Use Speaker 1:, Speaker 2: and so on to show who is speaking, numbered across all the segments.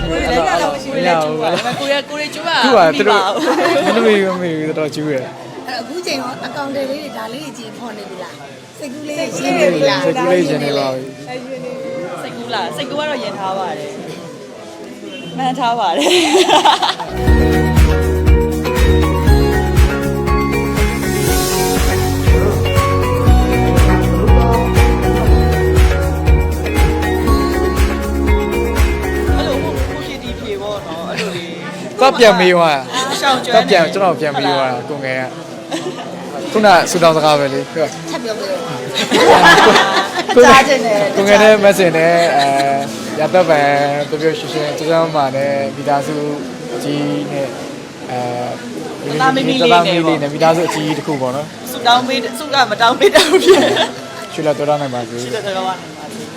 Speaker 1: ကိုရကျူပါ
Speaker 2: သူကသူတို့မမေတော်ကျူးရယ်
Speaker 3: အခုချိန်ရောအကောင့်တွေလေးတွေဒါလေးကြီးဖော်နေပြီလားစိတ်ကူးလေးရှင်းနေပြီလား
Speaker 2: စိတ်ကူးလေးရှင်နေပါပြီ
Speaker 1: စိတ်ကူးလားစိတ်ကူးကတော့ယဉ်ထားပါတယ်မှန်ထားပါတယ်
Speaker 2: တော့ပြန်မေးသွား
Speaker 1: ရှောင်းကျွ
Speaker 2: တော့
Speaker 1: မ်း
Speaker 2: ပြန်ကျွန်တော်ပြန်မေးသွားကိုငယ်ကခုနဆူတောင်းစကားပဲလေကို
Speaker 3: ချက်ပြောပြလို့
Speaker 1: ကြားကျင်တယ်
Speaker 2: ကိုငယ်နဲ့မက်ဆင်နဲ့ရတော့ပဲပြပြရှင်းရှင်းကျမ်းမာနဲ့မိသားစုကြီးနဲ့တမီလေးနဲ့မိသားစုအကြီးတစ်ခုပေါ့နော်
Speaker 1: ဆူတောင်းပေးဆူကမတောင်းပေးတော့ဖြစ်
Speaker 2: ရွှေလက်တော်နိုင်ပါစေ
Speaker 1: ရှိတဲ့တော့ပါနေပါစေ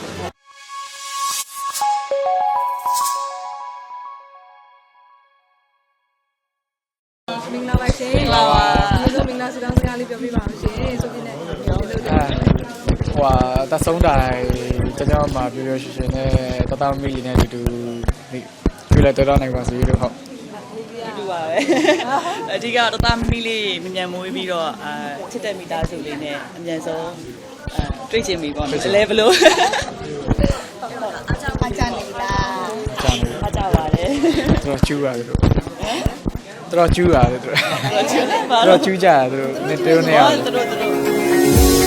Speaker 4: မင်္ဂလာပါရှင်။ဒီလိုမင်္ဂလာစကားလေးပြောပြပါဦးရှင်။ဆိုပြနေဒီလို
Speaker 2: ဟိုတဆုံးတိုင်းကျမ်းမာပြပြရှင်းရှင်းနဲ့တတမီလေးနဲ့တူရွှေလက်တော်နိုင်ပါစေလို့ဟုတ်
Speaker 1: တူပါပဲအဓိကတော့တသားမီးလေးမြန်မွေးပြီးတော့ချစ်တဲ့မိသားစုလေးနဲ့အမြန်ဆုံးတွေ့ချင်ပြီပေါ့နော်လဲဘလို့
Speaker 3: အကြနေပြီလား
Speaker 1: အားကြပါတယ်
Speaker 2: တော်ကျူးရတယ်တို့တော်ကျူးရတယ်တို့
Speaker 1: ချစ်တယ်ပါ
Speaker 2: တော်ကျူးကြရတယ်တို့နဲ့တိုးနေအောင်
Speaker 1: တို့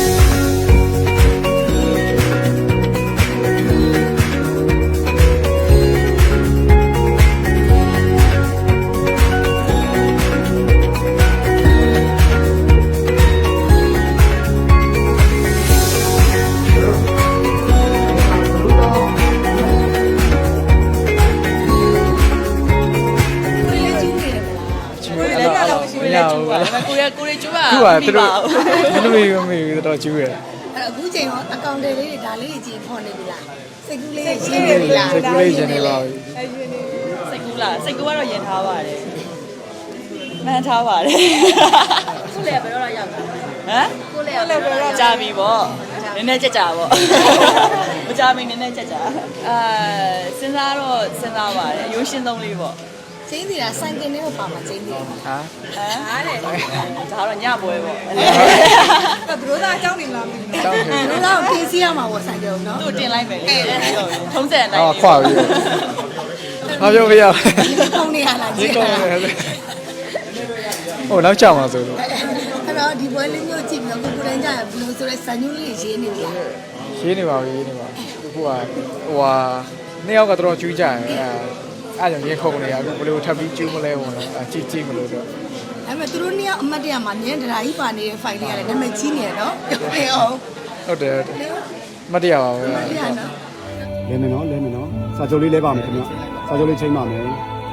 Speaker 1: ကိုရကျူပါ
Speaker 2: သူကသူတို့မမေတော်ကျူးရယ်
Speaker 3: အခုချိန်ရောအကောင့်တွေလေးတွေဒါလေးကြီးဖော်နေပြီလားစိတ်ကူးလေးရှင်းနေပြီလား
Speaker 2: စိတ်ကူးလေးရှင်နေပါပြီ
Speaker 1: စိတ်ကူးလားစိတ်ကူးကတော့ယဉ်ထားပါတယ်မှန်ထားပါတယ်ခုလည်းဘယ်တော့ရောက်တာဟမ်ခုလည်းဘယ်တော့ကြာပြီပေါ့နည်းနည်းကြက်ကြာပေါ့မကြာမီနည်းနည်းကြက်ကြာစဉ်းစားပါတယ်ရိုးရှင်းသုံးလေးပေါ့
Speaker 3: ချင်းစီတာဆိုင်ကင်လေးကိုပါမှာချင်းစီ
Speaker 2: ဟာ
Speaker 1: ဟာတဲ့ဒါတော့ညပွဲပေါ့
Speaker 4: ဘယ်လိုသာအကြောင်းနေလားမသိဘူး
Speaker 2: တောင်းနေ
Speaker 3: ဘယ်တော့ပြင်စီရမှာပေါ့ဆိုင်ကင်ကိုနော်
Speaker 1: သူ့တင်လိုက်မယ်လေထုံးစံအတိုင်း
Speaker 2: အော်ခွာပြီဟာပြောပြရ
Speaker 3: ဒီကုန်းနေရလား
Speaker 2: ဒီ
Speaker 3: ကြီး
Speaker 2: ကောင်းတယ်ဟိုနောက်ချမှာဆိုလို့
Speaker 3: အဲ့တော့ဒီပွဲလေးမျိုးကြည့်ပြီးတော့ကိုယ်တိုင်ကြဘယ်လိုဆိုလဲစံညွှန်းလေးရေးနေပြီလား
Speaker 2: ရေးနေပါပြီရေးနေပါခုကဟိုဟာနှစ်ယောက်ကတော့ကျူးကြတယ်အဲ့ကြောင့်ရေခုံနေရအခုဘယ်လိုထပ်ပြီးကျူးမလဲဝင်တော့ကြည့်မလို့တော့
Speaker 3: အဲ့မဲ့သူတို့နှစ်ယောက်အမတ်တရမှာမြင်းတရားကြီးပါနေတဲ့ file လေးရတယ်နာမည်ကြီးနေရနော်ပြောပြအောင်
Speaker 2: ဟုတ်တယ်မတရားပါဘူး
Speaker 3: တရားနော်
Speaker 5: လဲမယ်နော်စာချုပ်လေးလဲပါမယ်ခင်ဗျစာချုပ်လေးချိန်ပါမယ်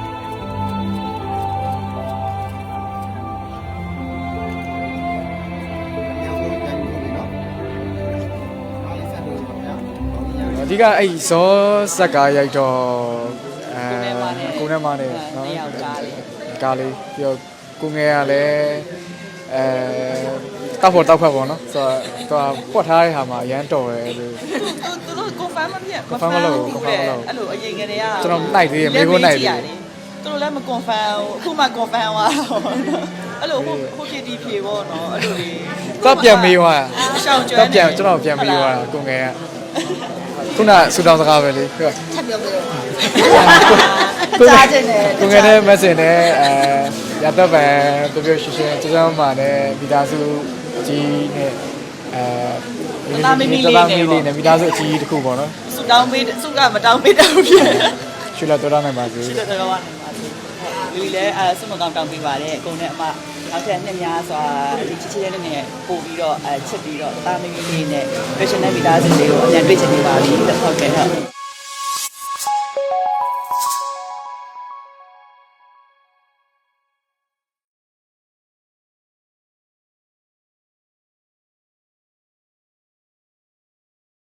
Speaker 2: အဓိကအဲ့ဇောဇက်ကားရိုက်တော့ကိုနဲ့မနဲ့နော်
Speaker 1: နှစ်ယောက်ကားလေး
Speaker 2: ကားလေးပြီးတော့ကိုငယ်ကလည်းတောက်ဖို့တောက်ဖက်ပေါ့နော်ဆိုတော့ပွက်ထားတဲ့ဟာမှာအရန်တော်တယ်လို့
Speaker 1: သူတို့ confirm မဖြစ်
Speaker 2: confirm မလုပ်ဘူး confirm မလုပ်ဘူး
Speaker 1: အဲ့လိုအရင်ကတည်းက
Speaker 2: ကျွန်တော်နိုင်သေးတယ်မေးဖို့နိုင်သေးတယ်
Speaker 1: သူတို့လည်းမ confirm ဘူးအခုမှ confirm သွားအဲ့လိုဟုတ်ဖြစ်ဒီဖြေပေါ့နော်အဲ့လိုလေး
Speaker 2: တော့ပြန်မေးသွား
Speaker 1: ရှောင်းကျွမ်း
Speaker 2: တော့ပြန်ကျွန်တော်ပြန်မေးသွားကိုငယ်ကခုနဆူတောင်းစကားပဲလေကို
Speaker 3: ချက်ပြောပြလို့
Speaker 1: ကြားကျင်တယ်
Speaker 2: ကိုငယ်နဲ့မက်ဆင်နဲ့ရတော့ပဲပြပြရှင်းရှင်းကျမ်းမာနဲ့မိသားစုကြီးနဲ့တမီလေးနဲ့မိသားစုအကြီးတစ်ခုပေါ့နော်
Speaker 1: ဆူတောင်းပေးဆူကမတောင်းပေးတော့ဖြစ်
Speaker 2: ရွှေလက်တော်နိုင်ပါစေ
Speaker 1: ရှိတဲ့တော့ပါနေပါစေလူလည်းဆုမကောင်းတောင်းပေးပါတယ်အကုန်နဲ့အမနောက်ထပ်နှစ်များစွာဒီချစ်ချင်းလေးနဲ့ပို့ပြီးတော့ချစ်ပြီးတော့တာမီလေးနဲ့ professional မိသားစုလေးကိုအမြန်တွေ့ချင်နေပါပြီဟုတ်ကဲ့ဟုတ်